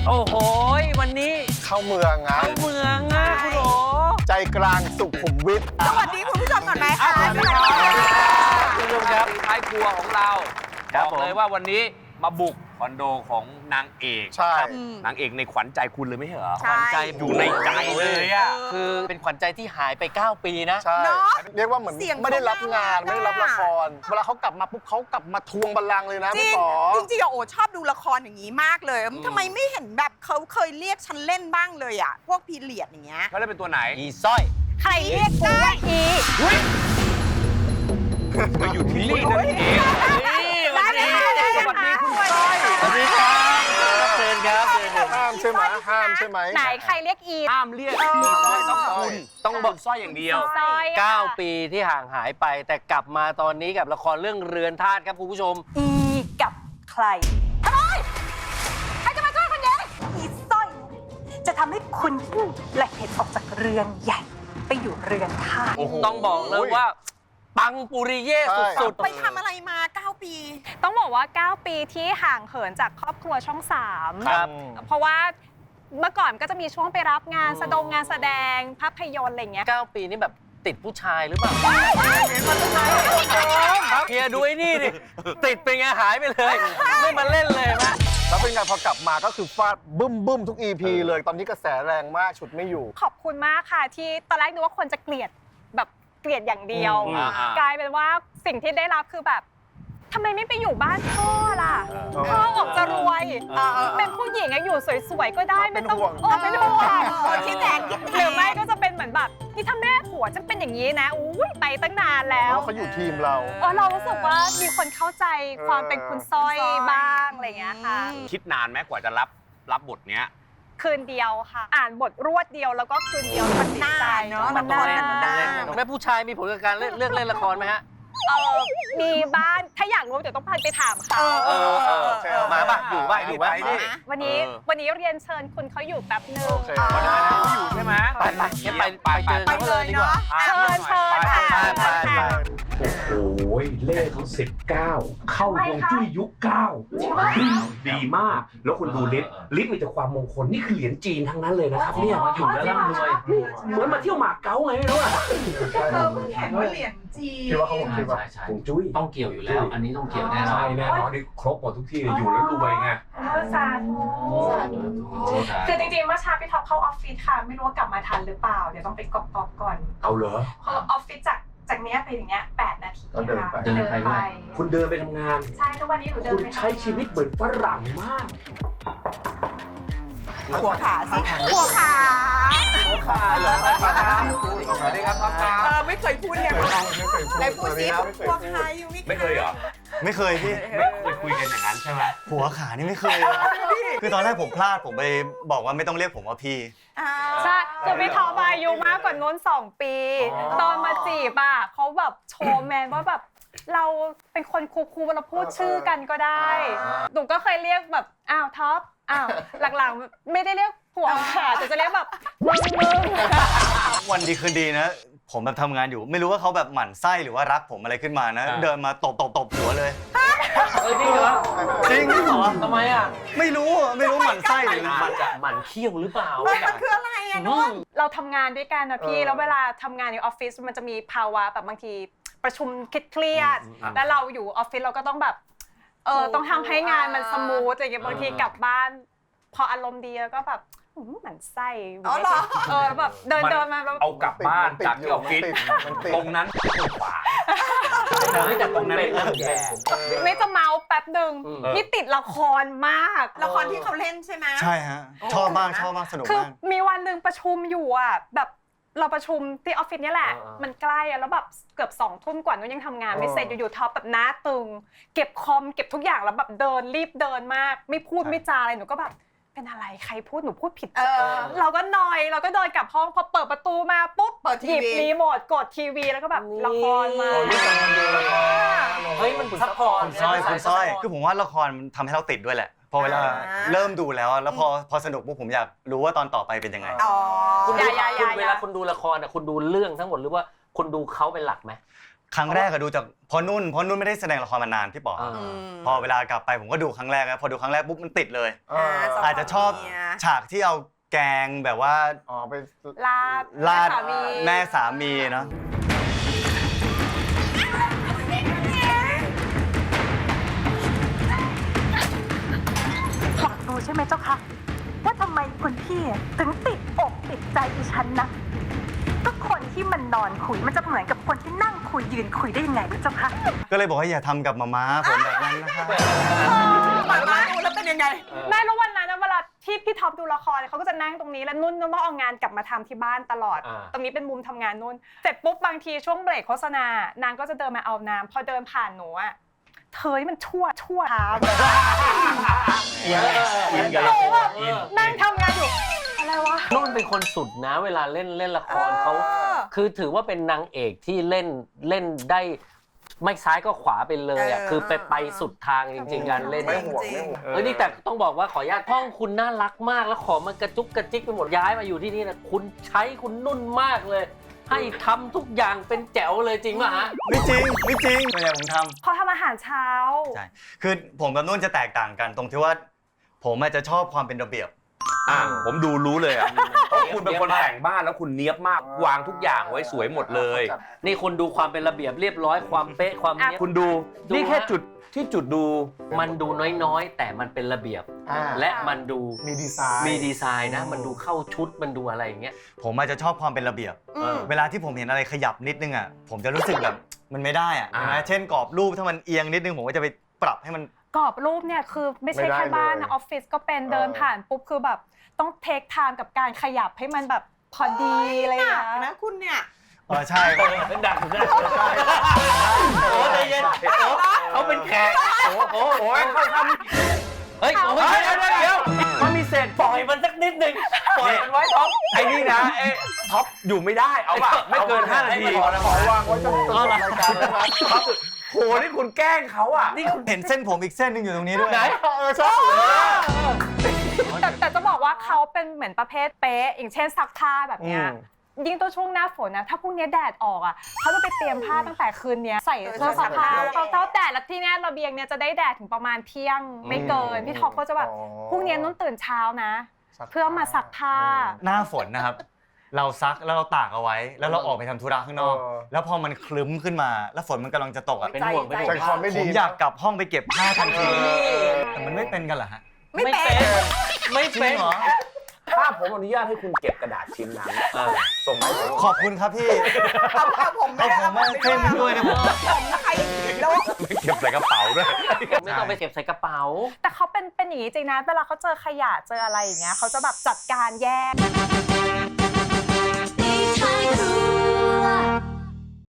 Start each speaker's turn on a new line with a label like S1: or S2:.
S1: โอ้โหวันนี้
S2: เข้าเมืองไง
S1: เข้าเมืองอ่ะคุณโห
S2: ใจกลางสุขุมวิท
S3: สวัสดีคุณผู้ชมก่อนไหมคะ
S1: สวัสดีครับคุณผู้ชมครับท้ายครัวของเราบอกเลยว่าวันนี้มาบุกคอนโดของนางเอก
S2: ใช่
S1: นางเอกในขวัญใจคุณเลยไม่ใช่เหรอ
S3: ใช่
S1: ขวัญใจอยู่ในใจเลยอ่ะ
S4: คือเป็นขวัญใจที่หายไป9ปีนะ
S2: ใช่
S3: เนอะ
S2: เรียกว่าเหมือน
S3: เสียง
S2: ไม่ได้รับงาน
S3: เขาน่ารัก
S2: ไม่ได้รับละครเวลาเขากลับมาปุ๊บเขากลับมาทวงบัลลังก์เลยนะ
S3: จริ
S2: พี่
S3: ง
S2: ป๋อ
S3: จริงๆอะโอชอบดูละครอย่างนี้มากเลยทำไมไม่เห็นแบบเขาเคยเรียกฉันเล่นบ้างเลยอ่ะพวกพีเรียดอย่างเงี้ย
S1: เขาได้เป็นตัวไหน
S4: อีสร้อย
S3: ใครเรียกได้อี
S1: มาอยู่ที่นี่นั่นเอง
S3: ได้เลยค่ะได้
S1: ส
S3: เลย
S1: วัสดี
S3: ค่ะ
S1: คุณก้อย
S4: สวัสดีครับเชิญครับเชิญครับ
S2: ห้ามใช่ไหมห้ามใช่ไหม
S5: ไหนใครเรียกอี
S1: ห้ามเรียกอีสร้อยต้องคุณต้องบอกสร้อยอย่างเดียว
S5: ซอยค่ะ
S4: 9 ปีที่ห่างหายไป แต่กลับมาตอนนี้กับละครเรื่องเรือนธาตุครับคุณผู้ชม
S5: อีกับใครทำไมใครจะมาช่วยคุณเย้อีสร้อยจะทำให้คุณและเห็ดออกจากเรือนใหญ่ ไปอยู่เรือนธาตุ
S4: ต้องบอกเลยว่า ปังปุริเย่สุด
S3: ไปทำอะไรมา9 ปี
S5: ต้องบอกว่า 9 ปีที่ห่างเหินจากครอบครัวช่อง 3
S4: ครับ
S5: เพราะว่าเมื่อก่อนก็จะมีช่วงไปรับงานงานแสดงภาพยนตร์อะไรเงี้ย
S4: 9 ปีนี่แบบติดผู้ชายหรือเปล่าเฮียดูไอ้นี่ดิติดเป็นไงหายไปเลย ไม่มาเล่นเลยนะ
S2: แล้วเป็นไงพอกลับมาก็คือฟาดบึ้มทุก EP เลยตอนนี้กระแสแรงมากฉุดไม่อยู่
S5: ขอบคุณมากค่ะที่ตอนแรกนึกว่าคนจะเกลียดแบบเกลียดอย่างเดียว กลายเป็นว่าสิ่งที่ได้รับคือแบบทำไมไม่ไปอยู่บ้านพ่อล่ะพ่อออกจะรวยเป็นผู้หญิงอะอยู่สวยๆก็ได้ไม่ต้องเป็นห่วง
S3: คิดแทน
S5: หรือไม่ก็จะเป็นเหมือนแบบนี่ถ้าแม่ผัวจะเป็นอย่างนี้นะอุ้ยไปตั้งนานแล้ว
S2: เพราะเขาอยู่ทีมเรา
S5: เรารู้สึกว่ามีคนเข้าใจความเป็นคุณสร้อยบ้างอะไรอย่างเงี้ยค่ะ
S1: คิดนานไหมกว่าจะรับบทเนี้ย
S5: คืนเดียวค่ะ อ่านบทรวดเดียวแล้วก็คืนเดียวมันน่าเนาะมันน่า
S4: แม่ผู้ชายมีผลกับการเลือกเล่นละครไหมฮะ
S5: มีบ้านถ้าอยากรู้เดี๋ยวต้องพาไปถามเขา
S4: มาป่ะอยู่ป่ะอยู่ป่ะ
S5: วันนี้เรียนเชิญคุณเขาอยู่แป๊บนึง
S2: โอเค
S1: วันนั้นเขาอยู่ใช่ไหม
S4: ไปเจอเขาเลยดีกว่า
S5: เชิญค่ะ
S4: ไป
S6: โอ้โหเลขเขา19 เข้าฮวงจุ้ยยุค9ดีมาก แล้วคุณดูลิศมีแต่ความมงคล นี่คือเหรียญจีนทั้งนั้นเลยนะครับเนี่ยมาอยู่แล้วร่ำรวยเหมือนมาเที่ยวหมากเก๊าไงไม่รู้อะ
S3: แข่งว่าเหรียญจีน
S2: คิดว่าเขาคงคิดว่า
S6: ฮวงจุ้ย
S7: ต้องเกี่ยวอยู่แล้ว อันนี้ต้องเกี่ยวแน่นอน
S6: ใช่แน่นอนนี่ครบหมดทุกที่เลยอยู่แล้วรวยไง
S8: สาธุคือจริงๆเมื่อเช้าพี่ท็อปเข้าออฟฟิศค่ะ ไม่รู้ว่ากลับมาทันหรือเปล่า เดี๋ยวต้องไปกรอกก่อน
S6: เอาเหรอ
S8: เพราะออฟฟิศจากเนี้ยไปถึงเนี้ย8 นาที
S2: ก็เดิน
S8: ค่ะ
S2: ไป
S7: เดินไปด้วย
S6: คุณเดินไปทำงาน
S8: ใช่ทุกวันนี้หนูเดิ
S6: คุ
S8: น
S6: ณ
S8: ไป
S6: ใช้ชีวิตเหมือนฝรั่งมาก
S3: หัวขาสิหัวขา
S1: เหรอสวัสดีครับท็อปครับ
S3: ไม่เคยพูดเนี่ยไหนพูดสิหัวขาอยู่
S1: ไม่เคยเหรอ
S9: ไม่เคยพี่
S1: ไม่เคยคุยกันอย่างนั้นใช่ไหม
S9: หัวขานี่ไม่เคย คือตอนแรกผมพลาดผมไปบอกว่าไม่ต้องเรียกผมว่าพี่
S5: ใช่คือพี่ท็อปอายุมากกว่าน้น2 ปี ตอนมาจีบอ่ะเขาแบบโชว์แมนว่าแบบเราเป็นคนคูลๆเราพูดชื่อกันก็ได้หนูก็เคยเรียกแบบอ้าวท็อปอ้าวหลังๆไม่ได้เรียกผัวขาแต่จะเรียกแบบมึง
S9: วันดีคืนดีนะ ผมแบบทำงานอยู่ ไม่รู้ว่าเขาแบบหมั่นไส้หรือว่ารักผมอะไรขึ้นมานะ เดินมาตบหัวเลย
S4: จริงเหรอ
S9: จริงเหรอ
S4: ทำไมอ่ะ
S9: ไม่รู้หมั่นไส้หรือ
S4: หมันเขี้ยวหรือเปล่า
S3: มันคืออะไรอะน้อง
S5: เราทำงานด้วยกันนะพี่แล้วเวลาทำงานในออฟฟิศมันจะมีภาวะแบบบางทีประชุมเครียดๆแล้วเราอยู่ออฟฟิศเราก็ต้องแบบต้องทำให้งานมันสมูทอะไรอย่างเงี้ยบางทีกลับบ้านพออารมณ์ดีแล้วก็แบบหมั่นไส้แบบเดินมาแล้ว
S1: เอากลับบ้านจากที่ออฟฟิศตรงนั้นขวาแต่ตรงนั้นไม่เริ่มแย่
S5: ไม่จะเมาแป๊บหนึ่งนี่ติดละครมาก
S3: ละครที่เขาเล่นใช่ไหม
S9: ใช่ฮะ ชอบมากสนุก
S5: คือ
S9: มาก
S5: มีวันหนึ่งประชุมอยู่อ่ะแบบเราประชุมที่ออฟฟิศนี่แหละมันใกล้แล้วแบบเกือบ2 ทุ่มกว่านู้นยังทำงานไม่เสร็จอยู่ๆท็อปแบบหน้าตึงเก็บคอมเก็บทุกอย่างแล้วแบบรีบเดินมากไม่พูดไม่จาอะไรหนูก็แบบเป็นอะไรใครพูดหนูพูดผิดเราก็นอยเราก็เดินกลับห้องพอเปิดประตูมาปุ๊บหยิบรีโมทกดทีวีแล้วก็แบบละครมา
S4: เฮ้ยมันซัพพอร์ต
S9: คุณสร้อย คือผมว่าละครมันทำให้เราติดด้วยแหละ พอเวลาเริ่มดูแล้วพอสนุกปุ๊บผมอยากรู้ว่าตอนต่อไปเป็นยังไง
S4: คุณเวลาคุณดูละครอ่ะคุณดูเรื่องทั้งหมดหรือว่าคุณดูเขาเป็นหลักไหม
S9: ครั้งแรกก็ดูจากเพราะนุ่นไม่ได้แสดงละครมานานพี่ป๋อครับพอเวลากลับไปผมก็ดูครั้งแรกนะพอดูครั้งแรกปุ๊บมันติดเลยอาจจะชอบฉากที่เอาแกงแบบว่า
S2: ไป
S5: ลาด
S9: แม่สามีเนาะ
S8: อยากรู้ใช่ไหมเจ้าคะว่าทำไมคุณพี่ถึงติดอกติดใจดิฉันนะก็คนที่มันนอนคุยมันจะเหมือนกับคนที่นั่งคุยยืนคุยได้ยังไงเจ้าคะ
S9: ก็เลยบอกว่าอย่าทำกับมาม่าผมแบบนั้นนะคะ
S3: มาดูแล้วเป็นยังไง
S5: แม่รู้วันนั้นนะเวลาที่พี่ท็อปดูละครเขาก็จะนั่งตรงนี้แล้วนุ่นต้องเอางานกลับมาทำที่บ้านตลอด ตรงนี้เป็นมุมทำงานนุ่นเสร็จปุ๊บบางทีช่วงเบรกโฆษณานางก็จะเดินมาเอาน้ำพอเดินผ่านหนูอะเธอนี่มันชั่วครับ หนูแบบนั่งทำงานอยู่อะไรวะ
S4: นุ่นเป็นคนสุดนะเวลาเล่นละครเขาคือถือว่าเป็นนางเอกที่เล่นได้ไม่ซ้ายก็ขวาไปเลยอ่ะคือไปสุดทางจริงๆการเล่น
S2: ไม่ห่วง
S4: นี่แต่ต้องบอกว่าขออนุญาตห้องคุณน่ารักมากแล้วขอมันกระจุกกระจิกไปหมดย้ายมาอยู่ที่นี่นะคุณใช้คุณนุ่นมากเลย ให้ทำทุกอย่างเป็นแจ๋วเลยจริงป่ะฮะ
S9: ไม่จริงส่วนใหญ่ผมทำ
S5: เขาทำอาหารเช้า
S9: ใช่คือผมกับนุ่นจะแตกต่างกันตรงที่ว่าผมอาจจะชอบความเป็นระเบียบ
S1: ผมดูรู้เลยอ่ะเพราะคุณเป็นคนแต่งบ้านแล้วคุณเนี๊ยบมากวางทุกอย่างไว้สวยหมดเลย
S4: นี่คนดูความเป็นระเบียบเรียบร้อยความเป๊ะความเนี้ย
S1: คุณดูนี่แค่จุดที่จุดดู
S4: มันดูน้อยๆ แต่มันเป็นระเบียบ และมันดู
S2: มีดีไซน์
S4: นะมันดูเข้าชุดมันดูอะไรอย่างเงี้ย
S9: ผมอาจจะชอบความเป็นระเบียบเวลาที่ผมเห็นอะไรขยับนิดนึงอ่ะผมจะรู้สึกแบบมันไม่ได้อ่ะนะเช่นกรอบรูปถ้ามันเอียงนิดนึงผมก็จะไปปรับให้มัน
S5: กรอบรูปเนี่ยคือไม่ใช่แค่บ้านนะออฟฟิศก็เป็นเดินผ่านปุ๊บคือแบบต้องเทคไทม์กับการขยับให้มันแบบพอดีอะไรอย่าง
S3: หนัก
S5: เงี้ย
S3: นะคุณเนี่ย
S9: ใช่
S4: เป็นดักโอ้ใจเย็นเขาเป็นแขกเขาทำเฮ้ยเดี๋ยวมันมีเศษปล่อยมันสักนิดนึงปล่อยมันไว้ท็อป
S1: ไอ้นี่นะท็อปอยู่ไม่ได้เอาป่ะไม่เกิน5 นาที
S2: ขอวางไว้จนจบรายการนะครับ
S1: โหนี่คุณแกล้งเขาอ่ะ
S9: นี่คุณเห็นเส้นผมอีกเส้นนึงอยู่ตรงนี้ด้วย
S4: ไหน
S2: ชอบ
S5: แต่จะบอกว่าเขาเป็นเหมือนประเภทเป๊ะอย่างเช่นซักผ้าแบบเนี้ยยิ่งตัวช่วงหน้าฝนนะถ้าพรุ่งนี้แดดออกอ่ะเขาจะไปเตรียมผ้าตั้งแต่คืนนี้ใส่เครื่องซักผ้าเขาแดดแล้วที่นี่ระเบียงเนี่ยจะได้แดดถึงประมาณเที่ยงไม่เกินพี่ท็อปก็จะแบบพรุ่งนี้นุ่นตื่นเช้านะเพื่อมาซักผ้า
S9: หน้าฝนนะครับ เราซักแล้วเราตากเอาไว้แล้วเราออกไปทำธุระข้างนอก แล้วพอมันคลึ้มขึ้นมาแล้วฝนมันกำลังจะตกอ่ะ
S4: เป็นห่วง
S2: ใจคอไม่
S9: ผ
S2: ดี
S9: มอยากกลับห้องไปเก็บผ้าทันทีแต่มันไม่เป็นกันเหรอฮะ
S3: ไม่เป็น
S4: ไม่
S9: จริ
S4: เป็
S9: ง
S4: น
S9: เหรอ
S1: ถ้าผมอนุญาตให้คุณเก็บกระดาษชิ้นนั้นส่งมาให้ผม
S9: ขอบคุณครับพี่
S3: เอาผมไม่ได้
S9: เอาผมมาเส้นด้วยนะผม
S3: ผมนะใครโดน
S1: ไม่เก็บใส่กระเป๋าด้วย
S4: ไม่ต้องไปเก็บใส่กระเป๋า
S5: แต่เขาเป็นอย่างนี้จริงนะเวลาเขาเจอขยะเจออะไรอย่างเงี้ยเขาจะแบบจัดการแยก